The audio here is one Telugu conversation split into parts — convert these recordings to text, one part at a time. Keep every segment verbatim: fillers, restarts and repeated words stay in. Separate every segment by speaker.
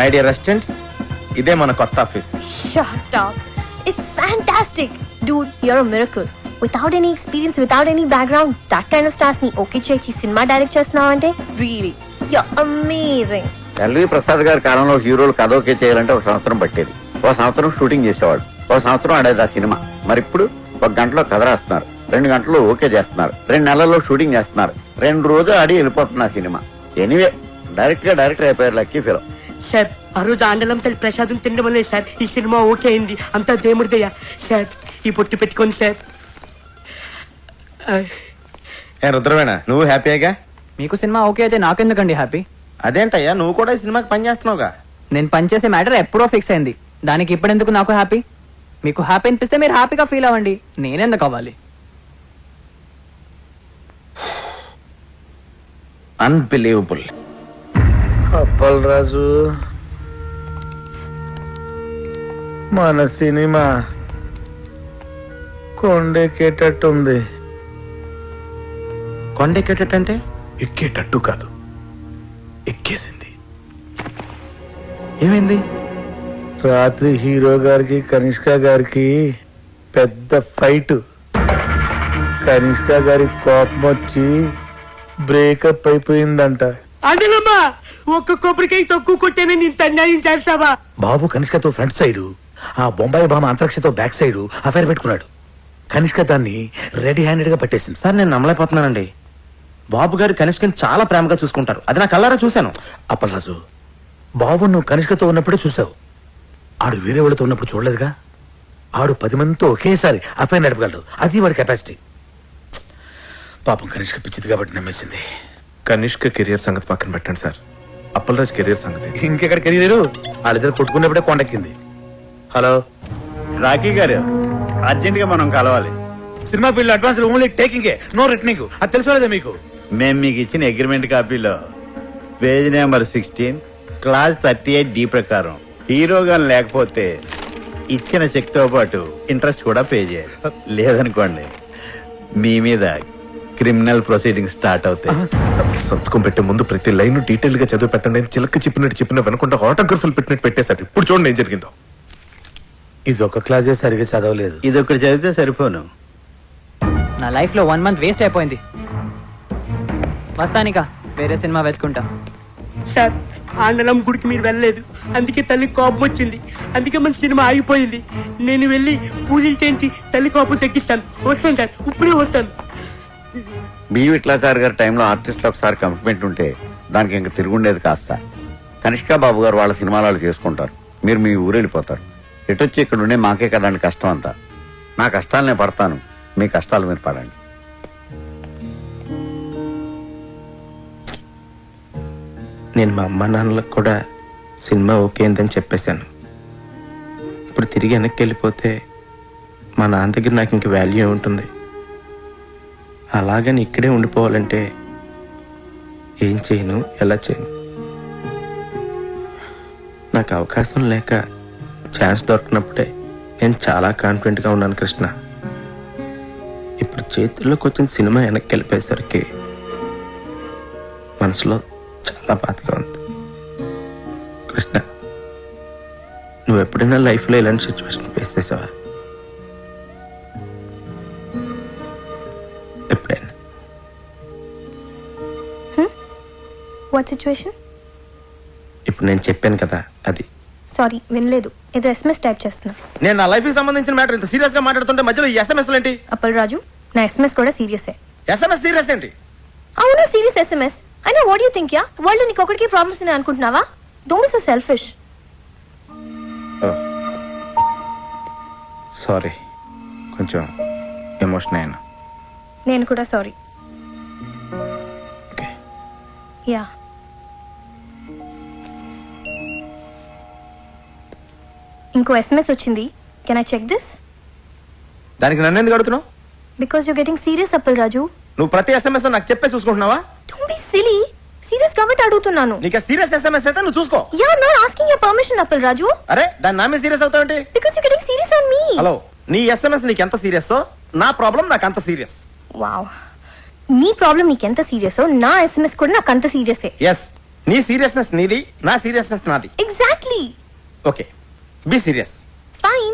Speaker 1: మై డియర్ రెసిడెంట్స్, ఇదే మన కొత్త office.
Speaker 2: Shut up. It's fantastic. Dude, you're a miracle. Without any experience, without any background, that kind of stars ni okay చేసి సినిమా డైరెక్ట్ చేస్తున్నావంటే really you're amazing.
Speaker 3: LV Prasad గారి కాలంలో హీరోలు కథ ఓకే చేయాలంటే ఒక సంవత్సరం పట్టేది. ఒక సంవత్సరం షూటింగ్ చేసేవాడు, ఒక సంవత్సరం ఆడేది ఆ సినిమా. మరి ఇప్పుడు ఒక గంటలో కథ రాస్తున్నారు, రెండు గంటలు ఓకే చేస్తున్నారు, రెండు నెలల్లో షూటింగ్ చేస్తున్నారు, రెండు రోజులు ఆడి వెళ్ళిపోతుంది ఆ సినిమా. ఎనీవే డైరెక్ట్ గా డైరెక్టర్ అయిపోయారు లక్కీ ఫిలో.
Speaker 4: సార్ ఆ రోజు ఆండలం తల్లి ప్రసాదం తినడం వల్లే సార్ ఈ సినిమా ఓకే అయింది. అంతా దేవుడిదయ్యా. సార్ ఈ పొట్టు పెట్టుకోండి సార్.
Speaker 1: ఏ రుద్రవేణ, నువ్వు హ్యాపీగా?
Speaker 5: మీకు సినిమా ఓకే అయితే నాకెందుకండి హ్యాపీ?
Speaker 1: అదేంటయ్యా, నువ్వు కూడా ఈ సినిమాకి పని చేస్తున్నావుగా.
Speaker 5: నేను పనిచేసే మ్యాటర్ ఎప్పుడో ఫిక్స్ అయింది, దానికి ఇప్పుడెందుకు నాకు హ్యాపీ? మీకు హ్యాపీ అనిపిస్తే మీరు హ్యాపీగా ఫీల్ అవ్వండి, నేనెందుకు అవ్వాలి?
Speaker 1: అన్బిలీవబుల్.
Speaker 6: అప్పల్ రాజు, మన సినిమా కొండెక్కేటట్టుంది.
Speaker 1: కొండెక్కేటంటే?
Speaker 6: ఎక్కేటట్టు కాదు, ఎక్కేసింది.
Speaker 1: ఏమైంది?
Speaker 6: రాత్రి హీరో గారికి కనిష్క గారికి పెద్ద ఫైట్. కనిష్క గారి కోపం వచ్చి బ్రేకప్ అయిపోయిందంట.
Speaker 4: ఆండలమ్మా, ఒక్క కొబ్బరికాయ తక్కువ కొట్టేనే ఇంత అన్యాయం చేస్తావా?
Speaker 6: బాబు కనిష్కతో ఫ్రంట్ సైడ్, ఆ బొంబాయి బామ అంతరిక్షతో బ్యాక్ సైడ్ అఫైర్ పెట్టుకున్నాడు. కనిష్క దాన్ని రెడీ హ్యాండెడ్ గా పట్టేసింది.
Speaker 1: సార్ నేను నమ్మలేకపోతున్నానండి. బాబు గారు కనిష్కని చాలా ప్రేమగా చూసుకుంటారు, అది నా కళ్ళారా చూశాను.
Speaker 6: అప్పలరాజు, బాబు నువ్వు కనిష్కతో ఉన్నప్పుడే చూసావు, ఆడు వేరే వాళ్ళతో ఉన్నప్పుడు చూడలేదుగా. ఆడు పది మందితో ఒకేసారి అఫైర్ నడపగలడు, అది వాడి కెపాసిటీ. పాపం కనిష్క పిచ్చిది కాబట్టి నమ్మేసింది.
Speaker 7: కనిష్క కెరియర్ సంగతి పక్కన పెట్టండి సార్, అప్పలరాజ్ కెరియర్ సంగతి.
Speaker 6: ఇంకెక్కడ కెరీర్? వాళ్ళిద్దరు కొట్టుకున్నప్పుడే కొండెక్కింది. హలో
Speaker 3: రాకీ గారు, అర్జెంట్ గా మనం కలవాలి.
Speaker 6: Cinema field advance only taking, no returning. అది తెలుసుకోలేదా మీకు?
Speaker 3: మేము మీకు ఇచ్చిన అగ్రిమెంట్ కాపీలో page number sixteen clause thirty eight D ప్రకారం హీరోగా లేకపోతే ఇచ్చిన చెక్ తో పాటు ఇంట్రెస్ట్ కూడా పే చేయాలి. లేదనుకోండి మీ మీద క్రిమినల్ ప్రొసీడింగ్ స్టార్ట్ అవుతాయి.
Speaker 7: సంతకం పెట్టే ముందు ప్రతి లైన్ డీటెయిల్ గా చదివి పెట్టండి. చిలక చెప్పినట్టు చెప్పిన వెనకుండా ఆటోగ్రఫీలు పెట్టినట్టు పెట్టేశారు. ఇప్పుడు చూడండి ఏం జరిగిందో.
Speaker 6: ఇది ఒక క్లాసే సరిగా చదవలేదు.
Speaker 3: ఇది ఒకటి చదివితే సరిపోను.
Speaker 5: నా లైఫ్ లో వన్ మంత్ వేస్ట్ అయిపోయింది. వస్తానిక వేరే సినిమా వెతుకుంటా.
Speaker 4: సార్ ఆండలం గుడికి మీరు వెళ్ళలేదు, అందుకే తల్లి కోపం వచ్చింది, అందుకే మన సినిమా ఆగిపోయింది. నేను వెళ్ళి పూజలు చేయించి తల్లి కోపం తగ్గిస్తాను. వస్తాను సార్, ఇప్పుడే వస్తాను.
Speaker 3: బి విట్లాచారి గారి టైంలో ఆర్టిస్టులు ఒకసారి కమిట్మెంట్ ఉంటే దానికి ఇంక తిరుగుండేది కాస్త. కనిష్క బాబు గారు వాళ్ళ సినిమాలు చేసుకుంటారు, మీరు మీ ఊరు వెళ్ళిపోతారు. ఎటొచ్చి ఇక్కడ ఉండే మాకే కదండి కష్టం అంతా. నా కష్టాలు నేను పడతాను, మీ కష్టాలు మీరు పడండి.
Speaker 1: నేను మా అమ్మ నాన్నలకు కూడా సినిమా ఓకే అయిందని చెప్పేశాను. ఇప్పుడు తిరిగి వెనక్కి వెళ్ళిపోతే మా నాన్న దగ్గర నాకు ఇంక వాల్యూ ఉంటుంది. అలాగని ఇక్కడే ఉండిపోవాలంటే ఏం చేయను, ఎలా చేయను? నాకు అవకాశం లేక ఛాన్స్ దొరికినప్పుడే నేను చాలా కాన్ఫిడెంట్గా ఉన్నాను కృష్ణ. ఇప్పుడు చేతుల్లోకి వచ్చిన సినిమా వెనక్కి వెళ్ళిపోయేసరికి మనసులో చాలా బాధగా ఉంది. కృష్ణ, నువ్వు ఎప్పుడైనా లైఫ్లో ఇలాంటి సిచ్యువేషన్ ఫేస్ చేసావా? ఎప్పుడైనా?
Speaker 2: What situation?
Speaker 1: ఇప్పుడు నేను చెప్పాను కదా అది.
Speaker 2: సారీ, వినలేదు. ఏదో ఎస్ఎంఎస్ టైప్ చేస్తున్నా.
Speaker 1: నేను నా లైఫ్ కి సంబంధించిన మ్యాటర్ ఇంత సీరియస్ గా మాట్లాడుతుంటే మధ్యలో ఈ ఎస్ఎంఎస్ ఏంటి?
Speaker 2: అప్పల్ రాజు, నా ఎస్ఎంఎస్ కూడా సీరియసే.
Speaker 1: ఎస్ఎంఎస్ సీరియస్ ఏంటి?
Speaker 2: అవును, సీరియస్ ఎస్ఎంఎస్. అయినా what you think yeah? World నీకు ఒకటికి ప్రాబ్లమ్స్ ఉన్నాయి అనుకుంటున్నావా? Don't be so selfish.
Speaker 1: Sorry, కొంచెం ఎమోషన్ అయినా.
Speaker 2: నేను కూడా సారీ.
Speaker 1: ఓకే.
Speaker 2: యా. ఇంకో ఎస్ఎంఎస్ వచ్చింది. Can I check this?
Speaker 1: దానికి నన్ను ఎందుకు అడుగుతున్నావు?
Speaker 2: Because you getting serious Appal Raju.
Speaker 1: నువ్వు ప్రతి ఎస్ఎంఎస్ నాకు చెప్పే చూసుకుంటున్నావా?
Speaker 2: Don't be silly. సీరియస్ కాబట్టి అడుగుతున్నాను.
Speaker 1: నీకు సీరియస్ ఎస్ఎంఎస్ అయితే నువ్వు చూసుకో.
Speaker 2: Yeah, not asking your permission Appal Raju.
Speaker 1: అరే, దాని నా మీద సీరియస్ అవుతావేంటి?
Speaker 2: Because you getting serious on me.
Speaker 1: Hello, నీ ఎస్ఎంఎస్ నీకు ఎంత సీరియస్, నా ప్రాబ్లం నాకు అంత సీరియస్.
Speaker 2: వావ్, నీ ప్రాబ్లం నీకెంత సీరియస్, నా ఎస్ఎంఎస్ కూడా నాకు అంత సీరియసే.
Speaker 1: ఎస్, నీ సీరియస్నెస్ నీది, నా సీరియస్నెస్ నాది.
Speaker 2: Exactly. Hurry.
Speaker 1: Okay be serious.
Speaker 2: Fine.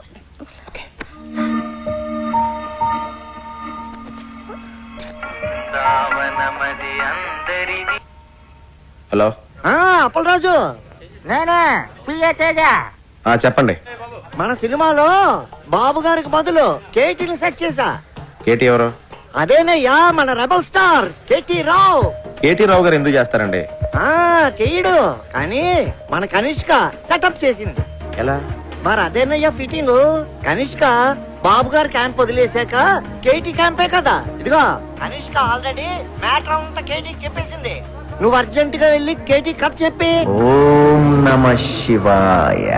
Speaker 1: Hello
Speaker 8: Appalaraju నేనే పిఏ తేజ.
Speaker 1: ఆ, చెప్పండి.
Speaker 8: మన సినిమాలో బాబు గారికి బదులు కేటీని సెట్ చేశా.
Speaker 1: కేటీ ఎవరు?
Speaker 8: అదేనయ్యా మన rebel star KT Rao.
Speaker 1: KT Rao గారు ఎందుకు చేస్తారండి?
Speaker 8: ఆ చెయ్యడు కానీ మన కనిష్క సెటప్ చేసింది.
Speaker 1: ఎలా?
Speaker 8: మరి అదేనయ్యా ఫిట్టింగ్. కనిష్క బాబు గారు క్యాంప్ వదిలేశాక కేటీ క్యాంపే కదా. ఇదిగో కనిష్క ఆల్రెడీ మ్యాటర్ అంతా కేటీకి చెప్పేసింది. నువ్వు అర్జెంట్ గా వెళ్ళి కేటీ కథ చెప్పి.
Speaker 3: ఓం నమ శివాయ.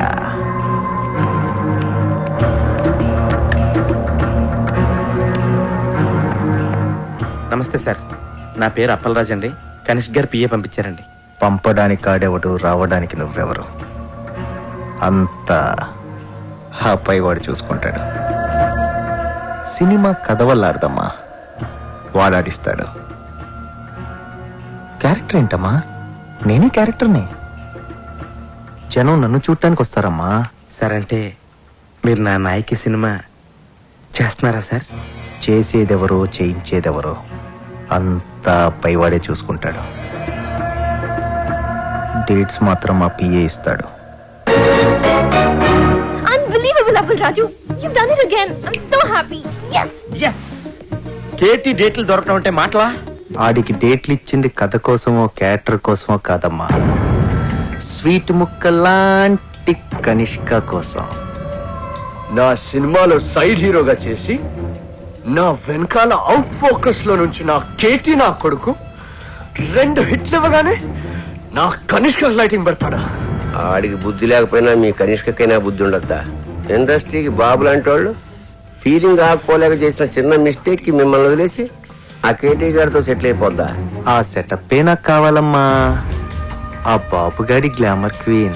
Speaker 1: నమస్తే సార్, నా పేరు అప్పలరాజ్ అండి. కనిష్క్ గారు పిఏ పంపించారండి.
Speaker 3: పంపడానికి ఆడేవాడు, రావడానికి నువ్వెవరు? అంతా ఆ పైవాడు చూసుకుంటాడు. సినిమా కథ వల్ల అర్థమ్మా, వాడాడిస్తాడు. క్యారెక్టర్ ఏంటమ్మా? నేనే క్యారెక్టర్ని. జనం నన్ను చూడటానికి వస్తారమ్మా.
Speaker 1: సార్ అంటే మీరు నా నాయకి సినిమా చేస్తున్నారా సార్?
Speaker 3: చేసేదెవరో చేయించేదెవరో అంతా పైవాడే చూసుకుంటాడు. డేట్స్ మాత్రం మా పిఏ ఇస్తాడు.
Speaker 2: Unbelievable, Appal Raju. You've done it again. I'm so happy. Yes.
Speaker 1: Yes. KT డేట్లు దొరకడం అంటే మాటలా?
Speaker 3: ఆడికి డేట్లు ఇచ్చింది కథ కోసమో క్యారెక్టర్ కోసమో కాదమ్మా, స్వీట్ ముక్కలాంటి కనిష్క కోసం.
Speaker 9: నా సినిమాలో సైడ్ హీరోగా చేసి నా వెనకాల అవుట్ ఫోకస్ లో నుంచి నా కేటీ నా కొడుకు రెండు హిట్లు ఇవ్వగానే నా కనిష్క లైటింగ్ పెడతాడా?
Speaker 10: ఆడికి బుద్ధి లేకపోయినా మీ కనిష్కకైనా బుద్ధి ఉండద్దా? ఇండస్ట్రీకి బాబు లాంటి వాళ్ళు ఫీలింగ్ ఆకపోలేక చేసిన చిన్న మిస్టేక్ కి మిమ్మల్ని వదిలేసి ఆ కేటీ గారితో సెటిల్ అయిపోద్దా?
Speaker 3: ఆ సెటప్ నాకు కావాలమ్మా. ఆ బాబుగాడి గ్లామర్ క్వీన్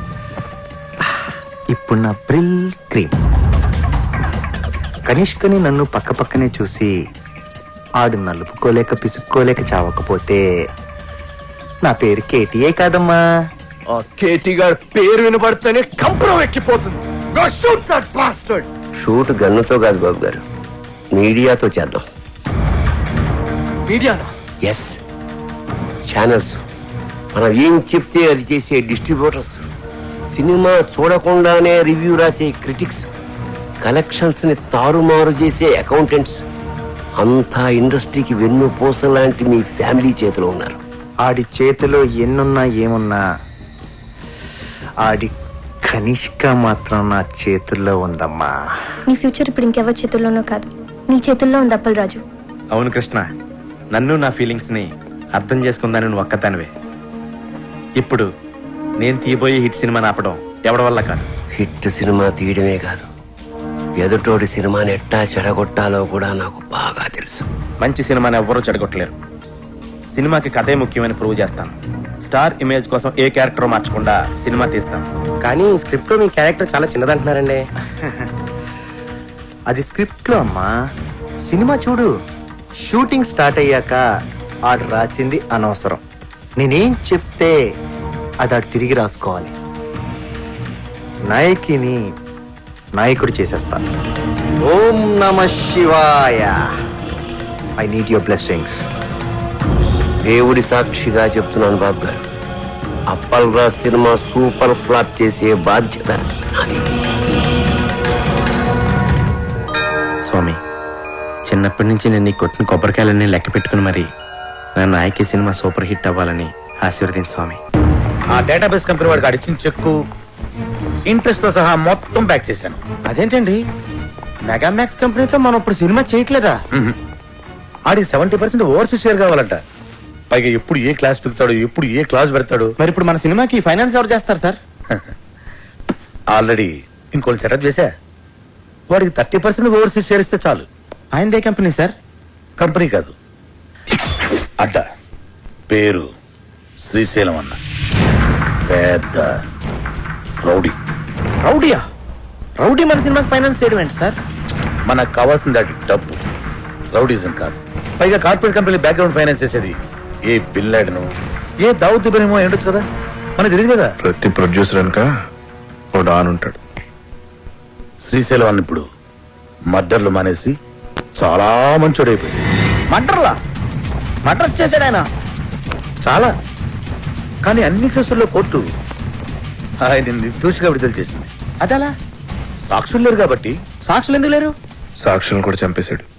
Speaker 3: ఇప్పుడు నా బ్రిల్ క్రీమ్. కనిష్కని నన్ను పక్క పక్కనే చూసి ఆడు నలుపుకోలేక పిసుక్కోలేక చావకపోతే నా పేరు కేటీఏ కాదమ్మా.
Speaker 9: ఆ కేటీ గారి పేరు వినబడితేనే కంపరం ఎక్కిపోతుంది. Go shoot that bastard.
Speaker 10: Shoot గన్నుతో కాదు బాబు గారు, మీడియాతో చేద్దాం.
Speaker 9: మీడియానా?
Speaker 10: ఎస్, ఛానల్స్, మనం ఏం చెప్తే అది చేసే డిస్ట్రిబ్యూటర్స్, సినిమా చూడకుండానే రివ్యూ రాసే క్రిటిక్స్, కలెక్షన్స్ ని తారుమారు చేసే అకౌంటెంట్స్, అంతా ఇండస్ట్రీకి వెన్నుపూస లాంటి మీ ఫ్యామిలీ చేతిలో ఉన్నారు.
Speaker 3: ఆడి చేతిలో ఎన్నున్నా ఏమున్నా ఆడి కనిష్క మాత్రం నా చేతుల్లో ఉందమ్మా.
Speaker 2: నీ ఫ్యూచర్ ఇప్పుడు ఇంకెవరి చేతుల్లోనో కాదు, నీ చేతుల్లో ఉంది అప్పల్ రాజు.
Speaker 1: అవును కృష్ణ, నన్ను నా ఫీలింగ్స్ ని అర్థం చేసుకుందాని నువ్వు ఒక్కదానివే. ఇప్పుడు నేను తీయబోయే హిట్ సినిమాని ఆపడం ఎవడి వల్ల కాదు.
Speaker 10: హిట్ సినిమా తీయడమే కాదు, ఎదుటోడి సినిమాని ఎట్టా చెడగొట్టాలో కూడా నాకు బాగా తెలుసు.
Speaker 1: మంచి సినిమాని ఎవ్వరూ చెడగొట్టలేరు. సినిమాకి కథే ముఖ్యమని ప్రూవ్ చేస్తాను. స్టార్ ఇమేజ్ కోసం ఏ క్యారెక్టర్ మార్చకుండా సినిమా తీస్తాను.
Speaker 10: కానీ స్క్రిప్ట్ లో మీ క్యారెక్టర్ చాలా చిన్నదంటున్నారండి.
Speaker 3: అది స్క్రిప్ట్ లో అమ్మా. సినిమా చూడు, షూటింగ్ స్టార్ట్ అయ్యాక ఆడు రాసింది అనవసరం. నేనేం చెప్తే అది ఆడు తిరిగి రాసుకోవాలి. నాయకిని నాయకుడు చేసేస్తాను. ఓం నమ శివాయ. I need your blessings.
Speaker 10: దేవుడి సాక్షిగా చెప్తున్నాను బాబు గారు, Appal Raj cinema super flop చేసే బాధ్యత నాది.
Speaker 1: స్వామి, చిన్నప్పటి నుంచి నేను నీ కొట్టిన కొబ్బరికాయలన్నీ లెక్క పెట్టుకుని మరి నా నాయకి సినిమా సూపర్ హిట్ అవ్వాలని ఆశీర్వదించు స్వామి.
Speaker 6: ఆ డేటాబేస్ కంపెనీ వాడికి అడిచిన చెక్కు ఇంట్రెస్ట్ తో సహా మొత్తం బ్యాక్ చేశాను.
Speaker 1: అదేంటండి, మెగామాక్స్ కంపెనీతో మనం ఇప్పుడు సినిమా చేయట్లేదా?
Speaker 6: ఆడికి సెవెంటీ పర్సెంట్ ఓవర్సీస్ షేర్ కావాలంట. పైగా ఎప్పుడు ఏ క్లాస్ పెడతాడు, ఎప్పుడు ఏ క్లాస్ పెడతాడు.
Speaker 1: మరి ఇప్పుడు మన సినిమాకి ఫైనాన్స్ ఎవరు చేస్తారు సార్?
Speaker 6: ఆల్రెడీ ఇంకోటి సెటప్ చేశా. వాడికి థర్టీ పర్సెంట్ ఓవర్సీస్ షేర్ ఇస్తే చాలు.
Speaker 1: ఆయనదే కంపెనీ సార్?
Speaker 6: కంపెనీ కాదు, అడ్డ. పేరు శ్రీశైలం అన్న. పెద్ద రౌడీ.
Speaker 1: రౌడీయా? రౌడీ మన సినిమాకి ఫైనాన్స్ చేయడం ఏంటి సార్?
Speaker 6: మనకు కావాల్సింది అది డబ్బు, రౌడీజం కాదు. పైగా కార్పొరేట్ కంపెనీ బ్యాక్గ్రౌండ్ ఫైనాన్స్ చేసేది ఏ బిన్ లాడెను, ఏ దావుద్ ఇబ్రహీమో ఏంటొచ్చు కదా. మనకు తెలియదు కదా.
Speaker 7: ప్రతి ప్రొడ్యూసర్ అనక ఓ డాన్ ఉంటాడు.
Speaker 6: శ్రీశైలం అన్న ఇప్పుడు మర్డర్లు మానేసి చాలా మంచోడైపోయింది.
Speaker 1: మర్డర్లా మర్డర్స్ చేశాడు ఆయన.
Speaker 6: చాలా. కానీ అన్ని కేసుల్లో కోర్టు ఆయన నిర్దోషిగా విడుదల చేసింది.
Speaker 1: అదలా
Speaker 6: సాక్షులు లేరు కాబట్టి.
Speaker 1: సాక్షులు ఎందుకు లేరు?
Speaker 7: సాక్షులను కూడా చంపేశాడు.